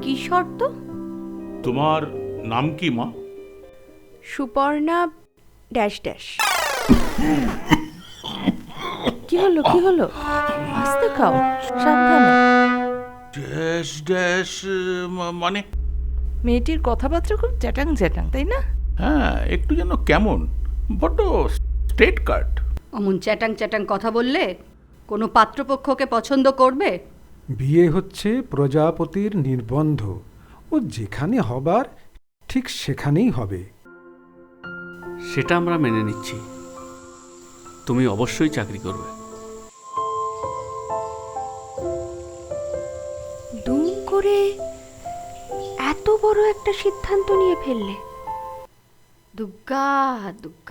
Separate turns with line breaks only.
কি শর্ত?
তোমার নাম কি মা?
Suparna dash dash. কি হলো কি হলো? আস্তে খাও, সাবধানে।
ড্যাশ ড্যাশ মানে?
মেয়েটির কথাবার্তা খুব চ্যাটাং চ্যাটাং, তাই না?
হ্যাঁ, একটু যেন কেমন, বড্ড স্ট্রেট কাট।
অমন চ্যাটাং চ্যাটাং কথা বললে কোনো পাত্রপক্ষকে পছন্দ করবে?
বিয়ে হচ্ছে প্রজাপতির নির্বন্ধ, ও যেখানে হবার ঠিক সেখানেই হবে।
সেটা আমরা মেনে নিচ্ছি, তুমি অবশ্যই চাকরি করবে।
দুম করে এত বড় একটা সিদ্ধান্ত নিয়ে ফেললে?
দুগ্গা দুগ্গা।